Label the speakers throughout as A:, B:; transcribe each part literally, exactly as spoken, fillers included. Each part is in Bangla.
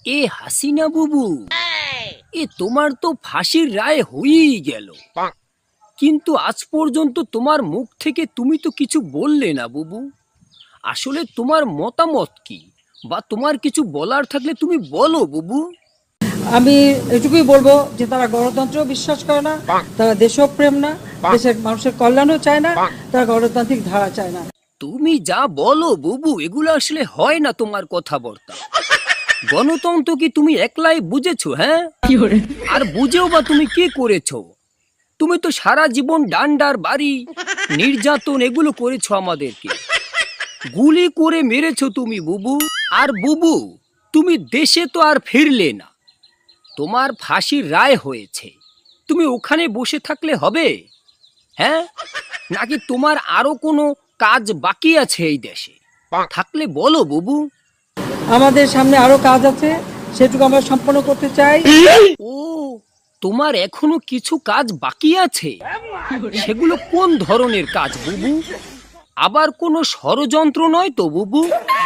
A: এ হাসিনা বুবু, এ তোমার তো ফাঁসির রায় হয়েই গেল, কিন্তু আজ পর্যন্ত তোমার মুখ থেকে তুমি তো কিছু বললে না বুবু। আসলে তোমার মতামত কি, বা তোমার কিছু বলার থাকলে তুমি বলো বুবু।
B: আমি এটুকুই বলবো যে তারা গণতন্ত্র বিশ্বাস করে না, তারা দেশপ্রেম না, দেশের মানুষের কল্যাণও চায় না, তারা গণতান্ত্রিক ধারা চায় না।
A: তুমি যা বলো বুবু, এগুলো আসলে হয় না তোমার কথাবার্তা। গণতন্ত্র কি তুমি একলাই বুঝেছো? হ্যাঁ, আর বুঝেও বা তুমি কি করেছো? তুমি তো সারা জীবন ডান্ডার বাড়ি, নির্যাতন এগুলো করেছো আমাদেরকে, গুলি করে মেরেছো তুমি বুবু। আর বুবু, তুমি দেশে তো আর ফিরলে না, তোমার ফাঁসির রায় হয়েছে, তুমি ওখানে বসে থাকলে হবে? হ্যাঁ, নাকি তোমার আরো কোনো কাজ বাকি আছে এই দেশে? থাকলে বলো বুবু।
B: আমাদের সামনে আরো কাজ আছে, সেটুকু আমরা সম্পন্ন করতে চাই।
A: ও, তোমার এখনো কিছু কাজ বাকি আছে? সেগুলো কোন ধরনের কাজ বুবু? আবার কোনো ষড়যন্ত্র নয় তো বুবু?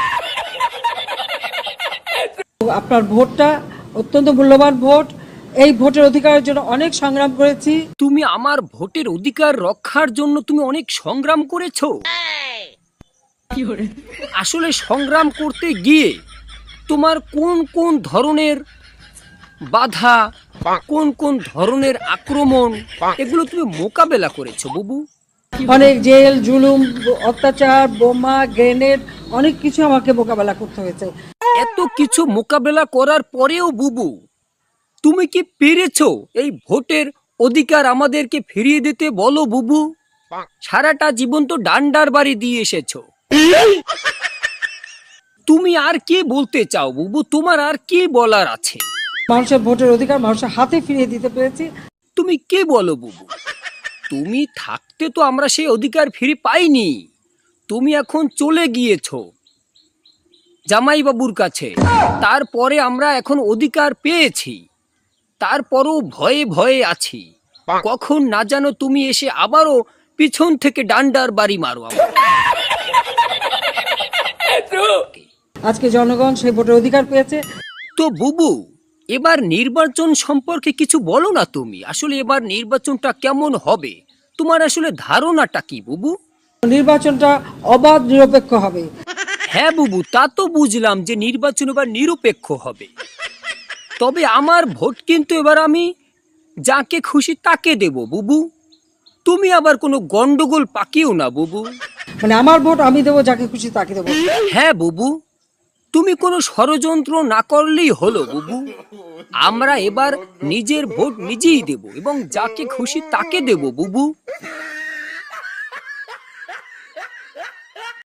B: আপনার ভোটটা অত্যন্ত মূল্যবান ভোট, এই ভোটের অধিকারের জন্য অনেক সংগ্রাম করেছি।
A: তুমি আমার ভোটের অধিকার রক্ষার জন্য তুমি অনেক সংগ্রাম করেছো। আসলে সংগ্রাম করতে গিয়ে তোমার কোন কোন ধরনের বাধা, কোন কোন ধরনের আক্রমণ, এগুলো তুমি মোকাবেলা করেছো বুবু?
B: অনেক জেল জুলুম, অত্যাচার, বোমা, গ্রেনেড, অনেক কিছু আমাকে মোকাবেলা করতে হয়েছে।
A: এত কিছু মোকাবেলা করার পরেও বুবু, তুমি কি পেরেছো এই ভোটের অধিকার আমাদেরকে ফিরিয়ে দিতে? বলো বুবু। সারাটা জীবন তো ডান্ডার বাড়ি দিয়ে এসেছো, তুমি আর কি বলতে চাও বুবু? তোমার আর কি বলার আছে?
B: মানুষের ভোটের অধিকার মানুষের হাতে ফিরিয়ে দিতে পেরেছি।
A: তুমি কি বলো বুবু? তুমি থাকতে তো আমরা সেই অধিকার ফিরে পাইনি, তুমি এখন চলে গিয়েছো জামাই বাবুর কাছে, তারপরে আমরা এখন অধিকার পেয়েছি, তারপরও ভয়ে ভয়ে আছি, কখন না জানো তুমি এসে আবারও পিছন থেকে ডান্ডার বাড়ি মারো আমাকে।
B: আজকে জনগণ সেই ভোটের অধিকার পেয়েছে।
A: তো বুবু, এবার নির্বাচন সম্পর্কে কিছু বলো না তুমি। আসলে এবার নির্বাচনটা কেমন হবে, তোমার আসলে ধারণাটা কি বুবু?
B: নির্বাচনটা অবাধ নিরপেক্ষ হবে।
A: হ্যাঁ বুবু, তা তো বুঝলাম যে নির্বাচন এবার নিরপেক্ষ হবে, তবে আমার ভোট কিন্তু এবার আমি যাকে খুশি তাকে দেব বুবু। তুমি আবার কোনো গন্ডগোল পাকিও না বুবু।
B: মানে আমার ভোট আমি দেবো, যাকে খুশি তাকে দেবো।
A: হ্যাঁ বুবু, তুমি কোনো ষড়যন্ত্র না করলেই হলো বুবু। আমরা এবার নিজের ভোট নিজেই দেব এবং যাকে খুশি তাকে দেব বুবু।